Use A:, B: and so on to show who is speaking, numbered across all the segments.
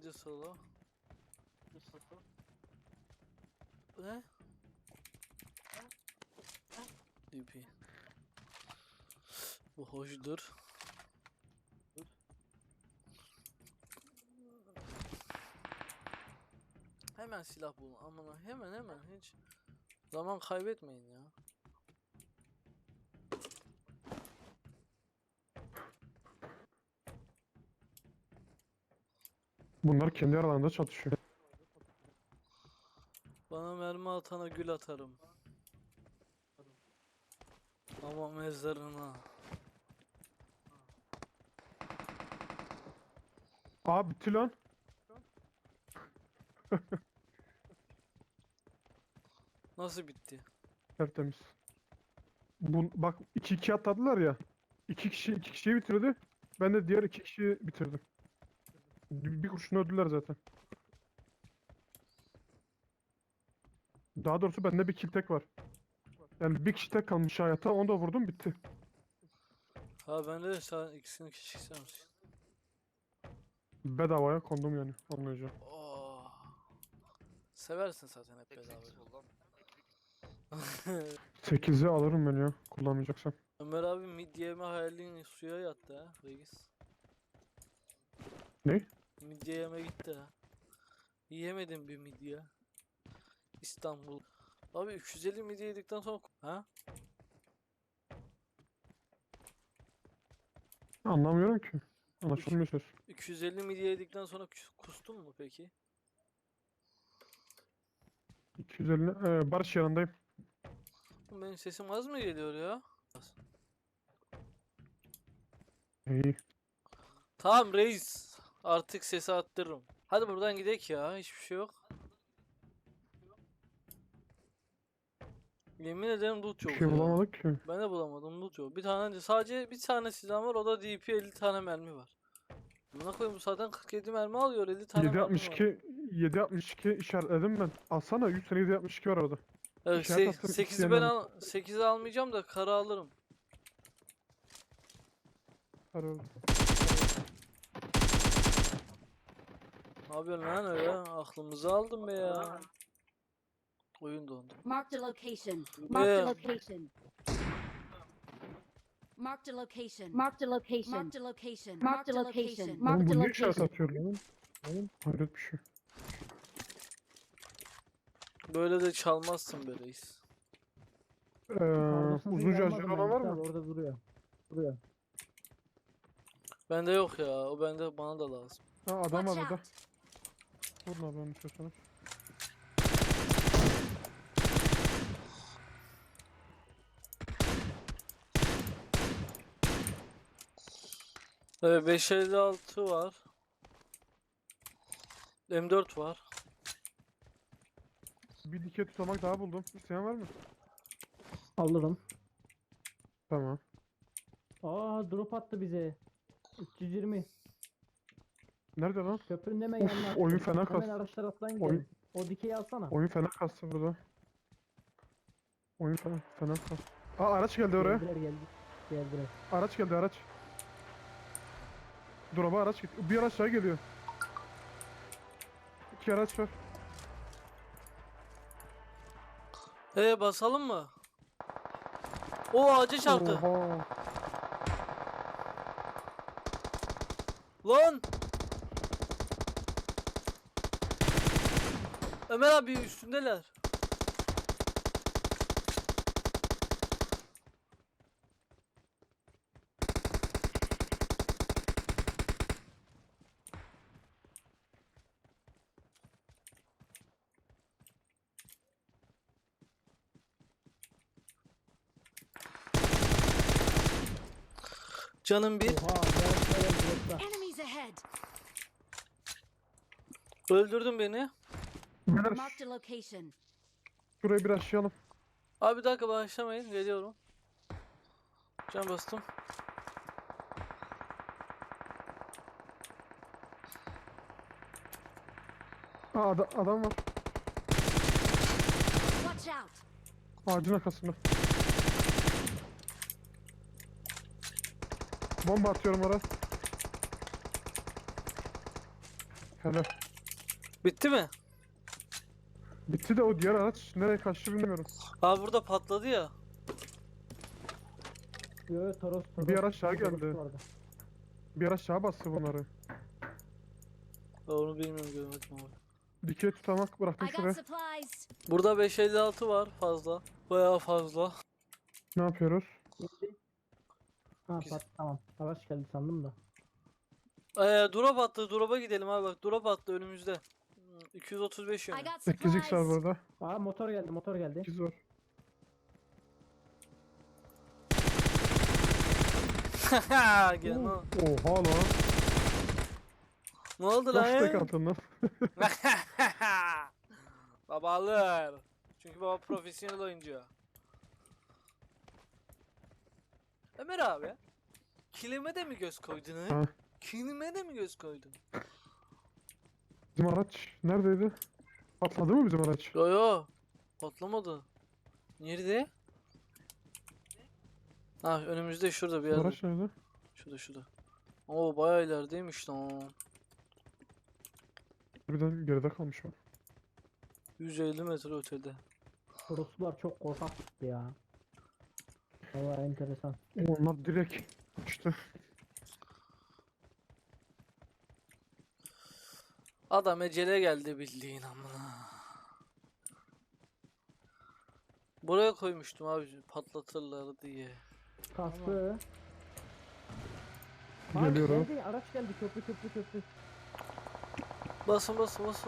A: Neydi solo? Ne? DP. Bu hoşdur. Hemen silah bulun amına, hemen hiç zaman kaybetmeyin ya.
B: Bunlar kendi aralarında çatışıyor.
A: Bana mermi atana gül atarım. Ama mezarına.
B: Aa bitti lan.
A: Nasıl bitti?
B: Tertemiz. Bak 2-2 atladılar ya. İki kişiyi bitirdi. Ben de diğer 2 kişiyi bitirdim. Bir kurşunu öldüler zaten. Daha doğrusu bende bir kill tek var. Yani bir kişi tek kalmış hayata. Onu da vurdum bitti.
A: Ha bende de sen ikisini kişi istemiş.
B: Bedavaya kondum yani. Anlayacağım.
A: Oh. Seversin zaten hep
C: 8
A: bedava.
C: buldum.
B: 8'i alırım ben ya. Kullanmayacaksam.
A: Ömer abi midye yeme hayalin suya yattı ha reis.
B: Ne?
A: Midye yeme gitti ha. Yiyemedim bir midye. İstanbul. Abi 350 midye yedikten sonra ha?
B: Anlamıyorum ki. Anlaşılmıyor söz.
A: 250 midye yedikten sonra kustun mu peki?
B: 250. Barış yanındayım.
A: Benim sesim az mı geliyor ya?
B: İyi.
A: Tamam reis. Artık sesi attırırım. Hadi buradan gidek ya. Hiçbir şey yok. Yemin ederim loot
B: Bir
A: yok
B: şey
A: ya.
B: bulamadık ki.
A: Ben de bulamadım, loot yok. Bir tane sadece bir tane silahım var, o da DP 50 tane mermi var. Buna koyayım, bu zaten 47 mermi alıyor, 50 tane mermi var.
B: 7.62 7.62 işaretledim ben. Alsana 100 tane 7.62 var orada.
A: Evet,
B: İşaret attım
A: 8'i ben
B: isteyenlerin.
A: 8'i almayacağım da kara alırım.
B: Arıyorum.
A: Ne yapıyorsun lan öyle? Aklımızı aldın be ya. Oyun dondu.
D: Marked a location. Marked
A: Yeah.
D: a location. Marked a location. Marked a location. Marked a location. Marked a location.
B: Oğlum
D: Marked
B: bu
D: a
B: ne işaret
D: location.
B: atıyor lan? Oğlum hayret bir şey.
A: Böyle de çalmazsın be reis.
B: Uzun şarjör olan var mı?
E: Orada duruyor. Duruyor.
A: Bende yok ya, o bana da lazım.
B: Ha adam var
D: Watch
B: burada.
D: out.
B: Vurun abi onu istiyorsanız.
A: Evet, 556 var. M4 var.
B: Bir dikey tutamak daha buldum. İsteyen var mı?
E: Alırım.
B: Tamam.
E: Aa drop attı bize. 320.
B: Nerede lan?
E: Köprünün hemen
B: Of,
E: yanına attı.
B: oyun fena
E: Hemen
B: kastı.
E: araç taraftan
B: Oyun-
E: gidelim. O dikeyi alsana.
B: Oyun fena kastı burada. Oyun fena kastı. Aa araç geldi oraya.
E: Geldiler. Geldiler.
B: Araç geldi araç. Drop'a araç gitti. Bir araç daha geliyor. 2 araç var.
A: Basalım mı? O ağaca çarptı.
B: Oha.
A: Lan! Ömer abi üstündeler. Canım bir.
E: Oha. Dropta.
D: Enemies ahead.
A: Öldürdün beni.
B: Beyler
D: Marked a location.
B: şurayı bir aşağıyalım.
A: Abi bir dakika, başlamayın, geliyorum. Can bastım.
B: Aa adam var.
D: Watch out.
B: Ağacın arkasında. Bomba atıyorum oraya. Hele.
A: Bitti mi?
B: Bitti de o diğer araç nereye kaçtı bilmiyorum.
A: Abi burada patladı ya.
E: Yo yo Toros Toros.
B: Bir araç daha
E: Toros
B: geldi.
E: vardı.
B: Bir araç daha bastı bunları.
A: Ben onu bilmiyorum, görmedim abi.
B: Dikey tutamak bıraktım
D: I got
B: şuraya.
D: supplies.
A: Burada 556 var fazla. Bayağı fazla.
B: Ne yapıyoruz?
E: Gitti. Ha
A: Güzel.
E: tamam. Araç geldi sandım da.
A: Drop attı. Drop'a gidelim abi bak. Drop attı önümüzde. 235
D: I
A: yönü.
D: got
B: 8x var
D: supplies.
B: burada.
E: Aa motor geldi motor geldi.
B: 8 var.
A: Gel lan.
B: Oha lan.
A: Ne oldu
B: Kaç tek
A: lan?
B: attın lan?
A: Baba alır. Çünkü baba profesyonel oyuncu. Ömer abi. Kilime de mi göz koydun ha?
B: Ha.
A: Kilime de mi göz koydun?
B: Bizim araç neredeydi? Patladı mı bizim araç?
A: Yo yo. Patlamadı. Nerede? Ha önümüzde şurada bir
B: Bizim
A: yerde.
B: araç nerede?
A: Şurada. Oo bayağı ilerideymiş lan.
B: Birden geride kalmış o.
A: 150 metre ötede.
E: Toroslar çok korkak çıktı ya. Valla enteresan.
B: Onlar direkt işte.
A: Adam ecele geldi bildiğin amına. Buraya koymuştum abi patlatırlar diye.
E: Kastı.
B: Geliyorum.
E: Geldi, araç geldi köprü.
A: Basın.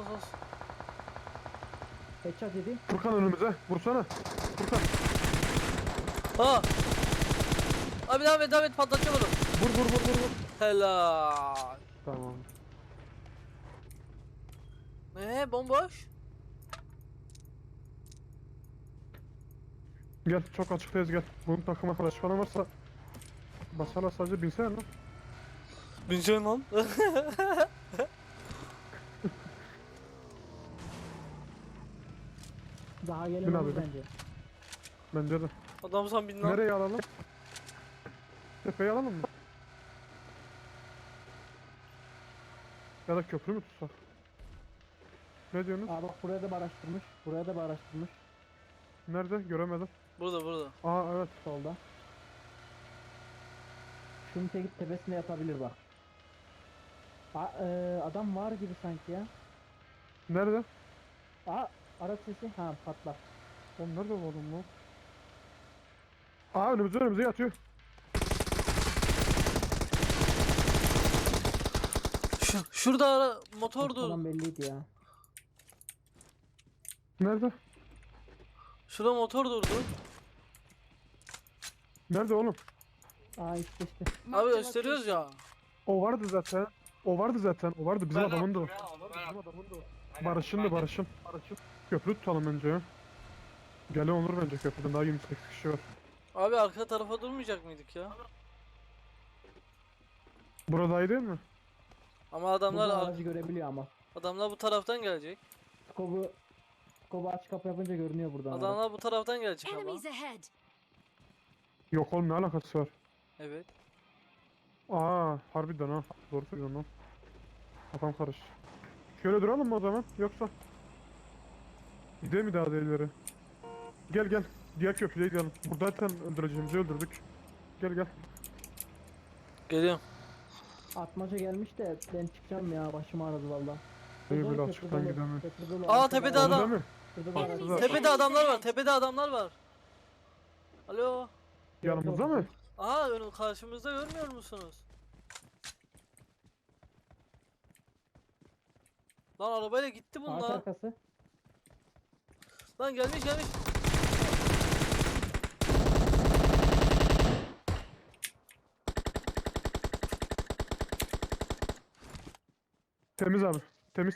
E: Headshot yedi.
B: Furkan önümüze. Vursana. Furkan.
A: Ha! Abi devam et patlatacağım onu.
B: Vur.
A: Helal.
B: Tamam.
A: Bomboş.
B: Gel çok açıktayız gel. Bunun takım arkadaş falan varsa basarlar sadece binsene lan.
A: Bineceksin lan.
E: Daha
B: Bin
E: gelemez
B: abi, bin.
E: bence.
B: Bence de.
A: Adam sen bin lan.
B: Nereye alalım? Tepeyi alalım mı? Ya da köprü mü tutsak? Ne diyorsunuz?
E: Aa bak buraya da bir araştırmış. Buraya da bir araştırmış.
B: Nerede? Göremedim.
A: Burada.
B: Aa evet.
E: Solda. Şunun tekip tepesine yatabilir bak. Adam var gibi sanki ya.
B: Nerede?
E: Aa araç sesi. Ha patlar.
B: Oğlum nerede bu adam lan? Aa önümüze yatıyor.
A: Şurada motor dur.
E: Adam belliydi ya.
B: Nerede?
A: Şurada motor durdu.
B: Nerede oğlum?
E: Aa işte.
A: Abi
D: Marked a
A: gösteriyoruz
D: location.
A: ya.
B: O vardı zaten. O vardı. Bizim adamın da o. Barış'ın. Köprü tutalım önce ya. Gelen olur bence köprüden daha 28 kişi var.
A: Abi arka tarafa durmayacak mıydık ya?
B: Burada iyi değil mi?
A: Ama adamlar
E: Buradan aracı görebiliyor ama.
A: adamlar bu taraftan gelecek.
E: Skobu aç kapı yapınca görünüyor buradan. araç.
A: Adamlar bu taraftan gelecek ama.
D: Enemies ahead.
B: Yok oğlum ne alakası var?
A: Evet.
B: Aa harbiden ha. Doğru söylüyorsun lan. Kafam karıştı. Şöyle duralım mı o zaman? Yoksa? Gidelim mi daha da ileri? Gel. Diğer köprüye gidelim. Burada zaten öldüreceğimizi öldürdük. Gel.
A: Geliyorum.
E: Atmaca gelmiş de ben çıkacağım ya başım ağrıdı valla.
B: İyi
E: Dolu,
B: böyle
E: köprü
B: açıktan
E: dolu,
B: gidemem.
E: köprü dolu,
A: Aa,
E: arkada
A: tepede
E: araç-
B: Oldu
A: adam.
B: değil mi?
E: Şurada da araç
D: Enemies
E: var.
A: Tepede adamlar var. Alo.
B: Yanımızda mı?
A: Aha önü karşımızda görmüyor musunuz? Lan arabayla gitti
E: Ağaç
A: bunlar.
E: arkası.
A: Lan gelmiş.
B: Temiz abi. Temiz.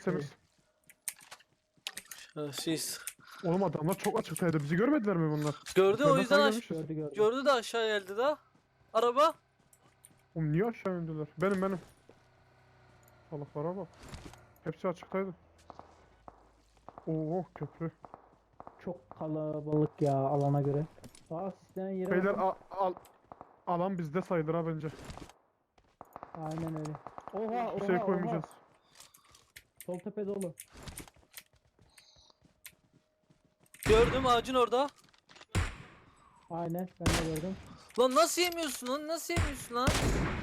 A: Siz.
B: Oğlum adamlar çok açıktaydı. Bizi görmediler mi bunlar?
A: Gördü o
B: Yukarıdan
A: yüzden
B: sağa
A: aş
B: gelmişiz.
E: Gördü.
A: gördü de aşağı geldi da. Araba.
B: Oğlum niye aşağı indiler? Benim. Salaklara bak. Hepsi açıktaydı. Oo köprü.
E: Çok kalabalık ya alana göre. Aa sislenen yere
B: Beyler
E: bakın.
B: alan bizde sayılır ha bence.
E: Aynen öyle. Oha
B: Hiçbir şey koymayacağız.
E: Sol tepe dolu.
A: Gördüm ağacın orada.
E: Aynen ben de gördüm.
A: Lan nasıl yemiyorsun lan? Nasıl yemiyorsun lan?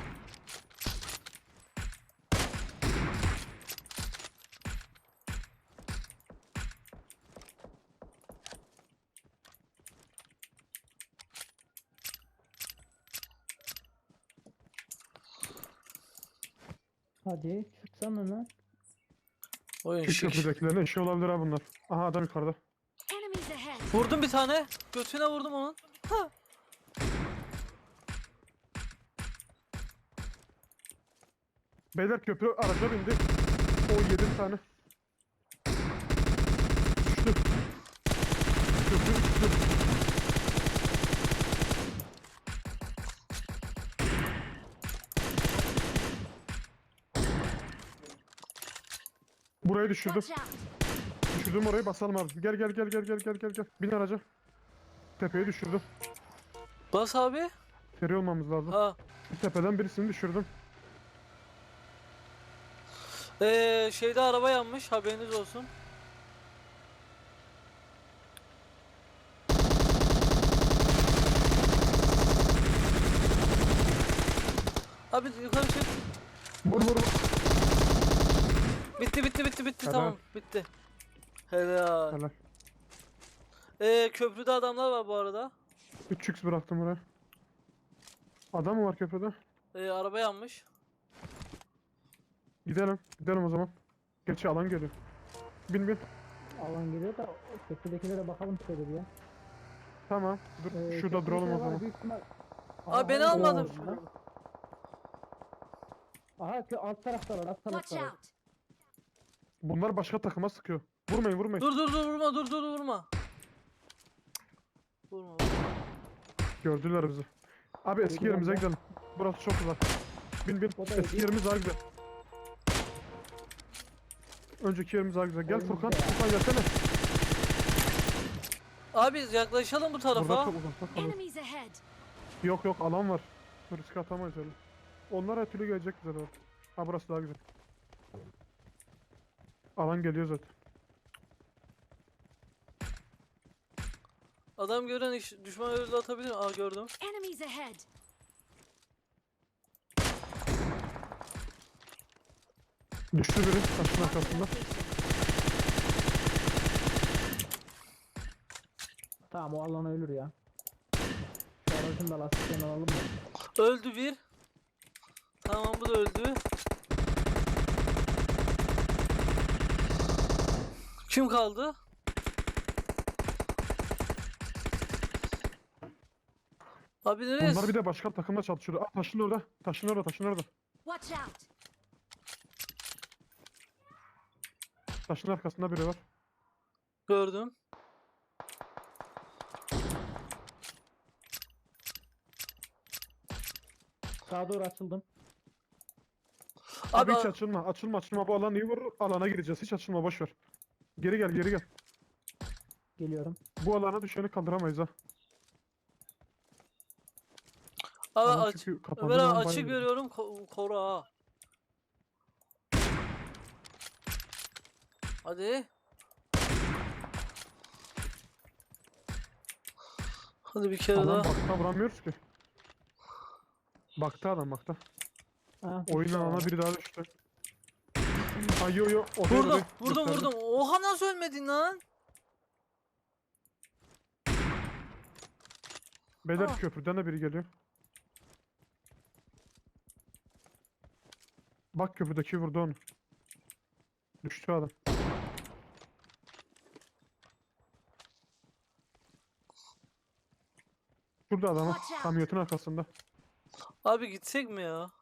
E: Hadi çıksana lan.
A: Oyun
B: Şu
A: şık.
B: köprüdekilerin eşi olabilir ha bunlar. Aha adam yukarıda.
D: Enemies ahead.
A: Vurdum bir tane. Götüne vurdum onun. Ha.
B: Beyler köprü araca bindi. O 7 tane. Düştü. Köprü düştü. Burayı düşürdüm.
D: Watch out.
B: Düşürdüm orayı basalım abi. Gel gel gel gel gel gel gel gel. Bin araca. Tepeyi düşürdüm.
A: Bas abi.
B: Seri olmamız lazım.
A: Ha.
B: Tepeden birisini düşürdüm.
A: Şeyde araba yanmış. Haberiniz olsun. Abi yukarı çık.
B: Vur vur vur.
A: Bitti bitti bitti bitti
B: Helal.
A: tamam bitti. Helal.
B: Helal.
A: Köprüde adamlar var bu arada.
B: 3x bıraktım buraya. Adam mı var köprüde?
A: Araba yanmış.
B: Gidelim. Gidelim o zaman. Gerçi alan geliyor. Bin bin.
E: Alan geliyor da köprüdekilere bakalım şöyle bir ya.
B: Tamam. Dur. Şurada
E: Köprüdekiler
B: duralım o
E: var,
B: zaman.
E: büyük ihtimal-
A: Aa beni
E: Aha,
A: almadın.
E: orada. Aha alt taraftalar alt
D: Watch
E: taraftalar.
D: out.
B: Bunlar başka takıma sıkıyor. Vurmayın vurmayın.
A: Dur dur dur vurma dur dur vurma. Vurma.
B: Gördüler bizi. Abi eski
E: Gördüler
B: yerimize
E: mi?
B: gidelim. Burası çok uzak. Bin bin.
E: O da
B: Eski
E: iyi.
B: yerimiz daha güzel. Önceki yerimiz daha güzel. Gel
E: Oyun
B: Furkan.
E: güzel ya.
B: Furkan gelsene.
A: Abi yaklaşalım bu
B: Burada
A: tarafa.
B: çok uzakta kalıyor.
D: Enemies ahead.
B: Yok yok alan var. Risk atamayız öyle. Onlar her türlü gelecek bize doğru. Ha burası daha güzel. Alan geliyor zaten.
A: Adam gören düşman öyle atabilir mi? Aa gördüm.
D: Enemies ahead.
B: Düştü biri taşın
D: Marked a
B: arkasında.
D: location.
E: Tamam o alana ölür ya. Şu aracın da lastiklerini alalım mı?
A: Öldü bir. Tamam bu da öldü. Kim kaldı? Abi nereye?
B: Bunlar bir de başka takımda çalışıyordu. Aa taşın orada. Taşın orada. Taşın orada.
D: Watch out.
B: Taşın arkasında biri var.
A: Gördüm.
E: Sağa doğru açıldım.
B: Abi
A: Abi
B: hiç açılma. Açılma açılma. Bu alan iyi vurur. Alana gireceğiz. Hiç açılma boş ver. Geri gel geri gel.
E: Geliyorum.
B: Bu alana düşeni kaldıramayız ha.
A: abi
B: Alan
A: aç.
B: çünkü kapandığı
A: Ömer abi
B: zaman
A: açık
B: bayağı-
A: görüyorum koru ha. Hadi. Hadi bir kere
B: Alan
A: daha.
B: bakta vuramıyoruz ki. Bakta adam bakta.
E: Ha,
B: Oyun
E: düştü
B: alana
E: abi.
B: biri daha düştü. Ay yo yo. O değil, o
A: Vurdum
B: değil.
A: vurdum
B: Gösterdim.
A: vurdum. Oha nasıl ölmedin lan?
B: Beyler
A: Ah.
B: köprüden de biri geliyor. Bak köprüdeki vurdu onu. Düştü adam. Şurada adam ha.
D: Watch out.
B: Kamyonetin arkasında.
A: Abi gitsek mi ya?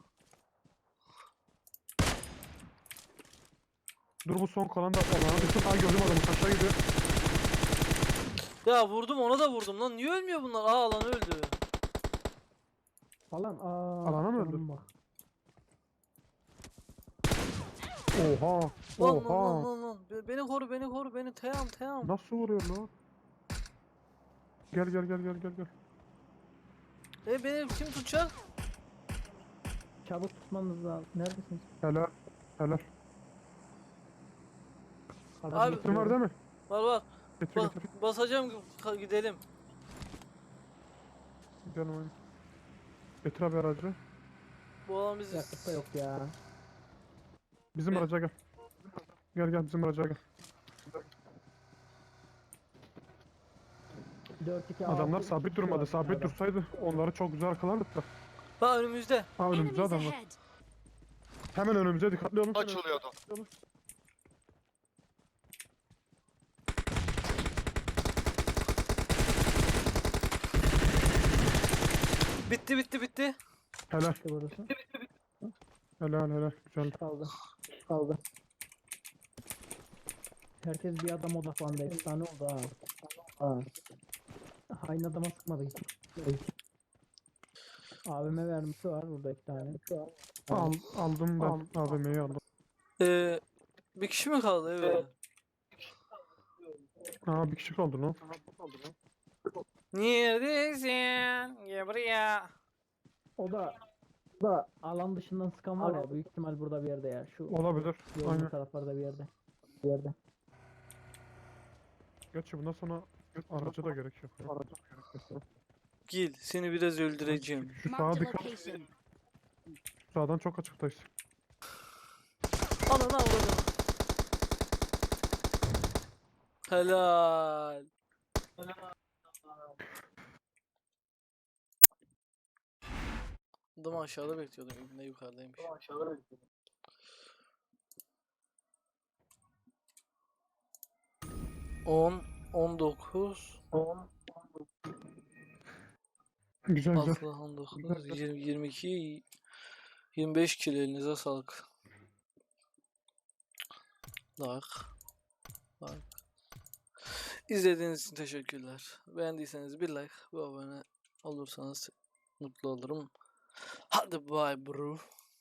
B: Dur bu son kalan da alana düştü. Ha gördüm adamı aşağı gidiyor.
A: Ya vurdum ona da vurdum lan. Niye ölmüyor bunlar? Aa alan öldü.
E: Falan
B: Alana mı öldü?
E: canım bak.
B: Oha.
A: Lan lan
B: Oha.
A: lan lan. Beni koru beni koru beni. Teyam teyam.
B: Nasıl vuruyor lan? Gel gel gel gel gel gel.
A: Beni kim tutacak?
E: Çabuk tutmanız lazım. Neredesiniz?
B: Helal. Helal.
A: Abi-
B: Kitin var değil mi?
A: Var.
B: Getir getir.
A: Basacağım gidelim.
B: Gidelim hadi. Getir abi aracı.
A: Bu alan bizi...
E: Yakıt da yok ya.
B: Bizim
A: Ne?
B: araca gel. Gel bizim araca gel.
E: 4-2
B: Adamlar
E: 6,
B: sabit
E: 2
B: durmadı.
E: var
B: Sabit
E: bunlarda.
B: dursaydı onları çok güzel arkalardık da.
A: Bak önümüzde.
B: Ha önümüzde
D: Enemies
B: adam var.
D: ahead.
B: Hemen önümüze dikkatli olun.
C: Açılıyor adam.
A: Bitti.
B: Helal.
E: İşte burası.
B: Helal. Güzel.
E: Kaldı. Herkes bir adam odaklandı. Efsane oldu ha. Aynı adama sıkmadı hiç. AVM vermişi var burada 2 tane.
B: Aldım ben. AVM'yi aldım.
A: Bir kişi mi kaldı evet?
B: Aa bir kişi kaldı lan.
A: Neredesin? Gel buraya.
E: O da alan dışından sıkan var ya büyük ihtimal burada bir yerde ya. Şu
B: Olabilir.
E: yolun
B: Aynen.
E: taraflarda bir yerde.
B: Gerçi bundan sonra araca da gerek yok.
A: Gel seni biraz öldüreceğim.
B: Şu sağa
D: Marked a
B: dikkat.
D: location.
B: Sağdan çok açıktayız.
A: Ananı avradım. Helal. Adam aşağıda bekliyordum. İbne yukarıdaymış. 10, 19,
B: Güzel.
A: 19, 20, 22, 25 kilo elinize sağlık. Like. İzlediğiniz için teşekkürler. Beğendiyseniz bir like ve abone olursanız mutlu olurum. Hadi bye bro.